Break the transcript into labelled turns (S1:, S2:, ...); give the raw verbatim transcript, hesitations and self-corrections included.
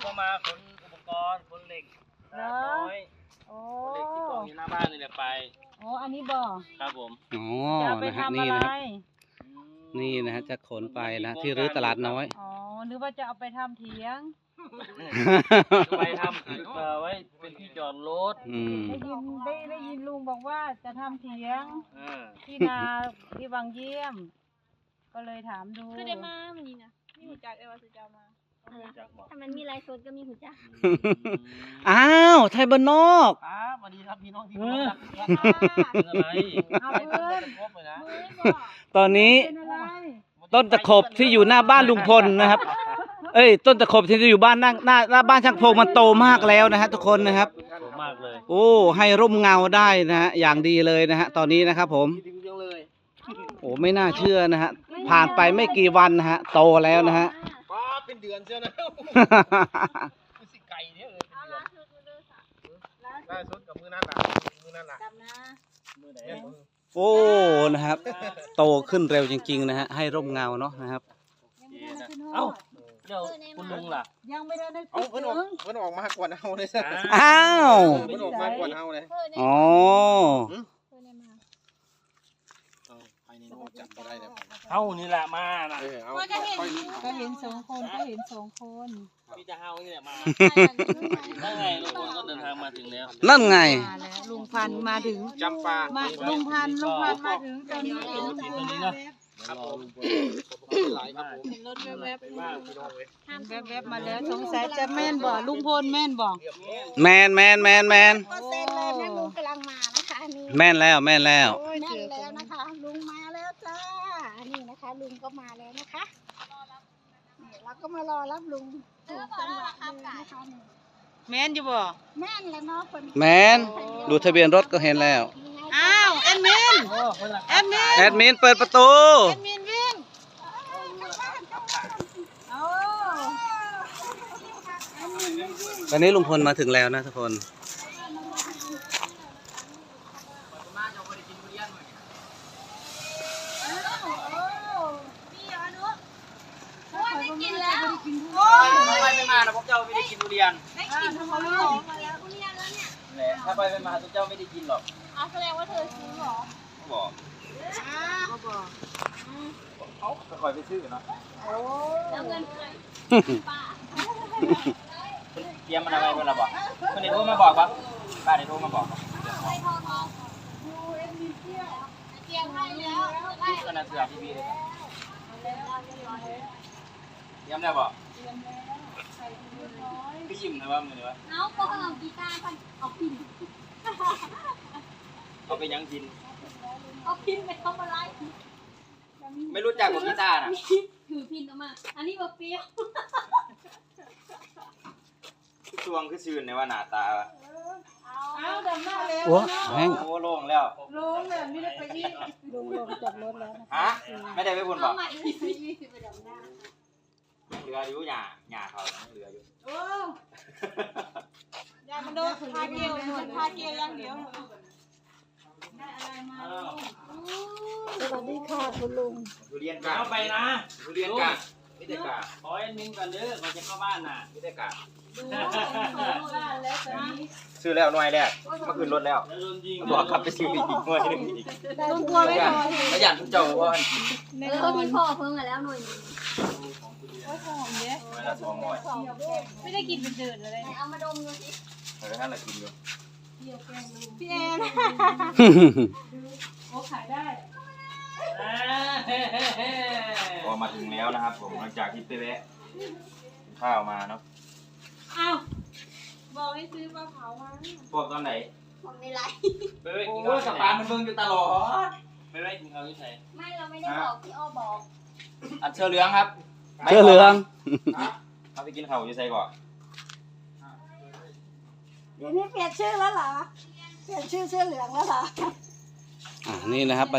S1: ก็มาขนอุปกรณ์ขนเหล็กน้อยโอ้เหล็กที่กองอยู่หน้าบ้านนี่แหละไป
S2: โอ้อันนี้บ่
S1: ครับผม
S3: อ๋อ
S2: จะไป
S3: นะฮะ
S2: ทำ
S3: นี่
S2: อะไร
S3: นะครับนี่นะฮะจะขนไปนะที่รื้อตลาดน้อย
S2: อ๋อหรือว่าจะเอาไปทำเถียง
S1: ไปทำเอ่อไว้เป็นที่จอดรถ
S3: อืม
S2: ได้ยินได้ได้ยินลุงบอกว่าจะทำเถียงที่นาที่วังเยี่ยม ก็เลยถามดู
S4: คือได้มามันนี่นะมีหูจักเอวาสุจามาถ้ามันมีลายสดก็มีหูจัก
S3: อ้าวไทยบ้านนอก
S1: ครับสวัสดีครับพี่น้องที่รักอะไร
S2: เอาเพื่อน
S3: ตอนนี้ต้นตะขบที่อยู่หน้าบ้านลุงพลนะครับเอ้ยต้นตะขบที่อยู่บ้านหน้าหน้าหน้าบ้านช่างพงมันโตมากแล้วนะฮะทุกคนนะครับ
S1: มากเลย
S3: โอ้ให้ร่มเงาได้นะฮะอย่างดีเลยนะฮะตอนนี้นะครับผมโอ้ไม่น่าเชื่อนะฮะผ่านไปไม่กี่วันนะฮะโตแล้วนะฮะ
S1: ป้าเป็นเดือนเชียวนะสิไก่เนี่ยเลยล่าสุดกับมือนั่นแหละมือนั่นแหละมือไหน
S3: โอ้นะครับโตขึ้นเร็วจริงๆนะฮะให้ร่มเงาเนาะนะครับ
S1: เอ้าเดี๋ยวคุณลุงล่ะ
S2: ยังไม่ได้ได้
S1: เอ้าเพิ่นออกเพิ่นออกมากกว่าเฮาเลย
S3: อ้าว
S1: เพิ่นออกมากกว่าเฮาเลย
S3: อ๋อ
S1: เฮานี่แหละมาน่ะ
S2: ก็เห็นก็เห็นสองคนก็เห็นสองคน
S1: มีแต่เฮานี่แหละมานั่นไงลุงพลก็เดินทางมาถึงแล้ว
S3: นั่นไง
S2: ลุงพันมาถึง
S1: จำปา
S2: ลุงพันลุงพันมาถึงตอนนี้เห็น
S1: ตรงนี้นะครับผมหลายครับผม
S2: เห็นรถแวบๆแวบๆมาแล้วสงสัยจะแม่นบ่ลุงพลแม่นบ่
S3: แมนแมนแมนแมน
S4: ก็เซ็นเลยนะลุงกำลังมานะคะนี่
S3: แม่นแล้วแม่นแล้ว
S4: แม่นแล้วนะคะลุงมาแล้วจ้านี่นะคะลุงก็มาแล้วนะคะนี่เราก็มารอรับลุงถูกจังหวะเลยนะคะ
S2: แม่นอยู่บ่
S4: แม่นแล้วเนาะคน
S3: แมนดูทะเบียนรถก็เห็นแล้ว
S2: อ้าวแอดมินแอดมิน
S3: แอดมินเปิดประตู
S2: แอดมินวิ่ง
S3: ตอนนี้ลุงพลมาถึงแล้วนะทุกคน
S4: กินแล้ว
S1: ถ้าไปไม่มานะพวกเจ้าไม่ได้กินทุเรียน
S4: ได้กินทุเรียนมาแล้วทุเรียนแล้วเนี่ย
S1: ถ้าไปไม่มาพวกเจ้าไม่ได้กินหรอก
S4: อ๋อแสดงว่าเธอซื้อหรอ
S1: บอก
S2: เขาบอก
S1: เขาคอยไปซื้อเนาะ
S4: โอ้แล้วเงินใครป้า
S1: เตรียมมันอะไรเพื่อนเราบอกคนนี้โทรมาบอกปะป้าได้โทรมาบอกปะ
S4: ไปทองทองดูเอ็มดีเที่ยวเตรียมให้แล้วได้
S1: ก็น่าเสือทีวีเลยเตรียมได้บอกพี่ยิ้มนะว่ามือวะ
S4: เอาก็เอากีตาร์ไปเอาพิน
S1: เอาไปยังกิน
S4: เอาพินไปทำอะไร
S1: ไม่รู้จักกับกีตาร์นะ
S4: ถือพินออกมาอันนี้แบบเปรี้ยว
S1: ช่วงคือชื่นในว่าหน้าตา
S2: เอาดำหน้าแล้ว
S3: โอ้แห้ง
S1: โอ้โล่งแล้ว
S2: ลงเลยไม่ได้ไปยี่ลุงลงจากรถแล้ว
S1: ฮะไม่ได้ไปบุญบอก
S4: ยี่สิบไปดำหน้า
S1: เหลืออยู่หย่าหย่าเขาเหลืออยู่
S2: โอ้ยามันโดนพาเกี่ยวหนวดพาเกี่ยวอย่างเดียวได้อะไรมา
S4: สวัสดีค่ะคุณลุง
S1: ทุเรียนกาเอาไปนะทุเรียนกาไม่ได้กาขอให้นิ่งกันเด้อเขาจะเข้าบ้านน่ะไม่ได้กาซื้อแล้วหน่วยแรกมาขึ้นรถแล้วบอกขับไปซื้ออีกหน่วยนึงอีก
S2: ลุงกลัวไม่พอ
S1: แล้วอย่างทุกเจ้าว่า
S4: เขามีพ่อเพิ่งมาแล้วหน่วยนึง
S2: โอ้ยหอมเยอะไม่ได้กินเป็นเดือนเลย
S4: เอามาดมดูสิ
S1: เออท่านละกินอยู่
S2: พี่แอนโอ้ขายได้
S1: พอมาถึงแล้วนะครับผมหลังจากที่ไปแวะข้าวมาเนาะ
S2: อ้าวบอกให้ซื้อปลาเผามา
S1: พวกตอนไหน
S4: ผมในไลน์
S1: ไปไว้กินข้าวสปานมันเบิ่งอยู่ตลอดไปไว้กินข้าวที่ไหน
S4: ไม่เราไม่ได้บอกพี่อ้อบอก
S1: อันเชือเหลืองครับ
S3: เชือเหลือง
S1: เอาไปกินข้าวอยู่ใส่ก่อน
S4: เดี๋ยวนี้เปลี่ยนชื่อแล้วเหรอเปลี่ยนชื่อเสื้อเหลืองแล้วเหรอ
S3: อ่านี่นะครับ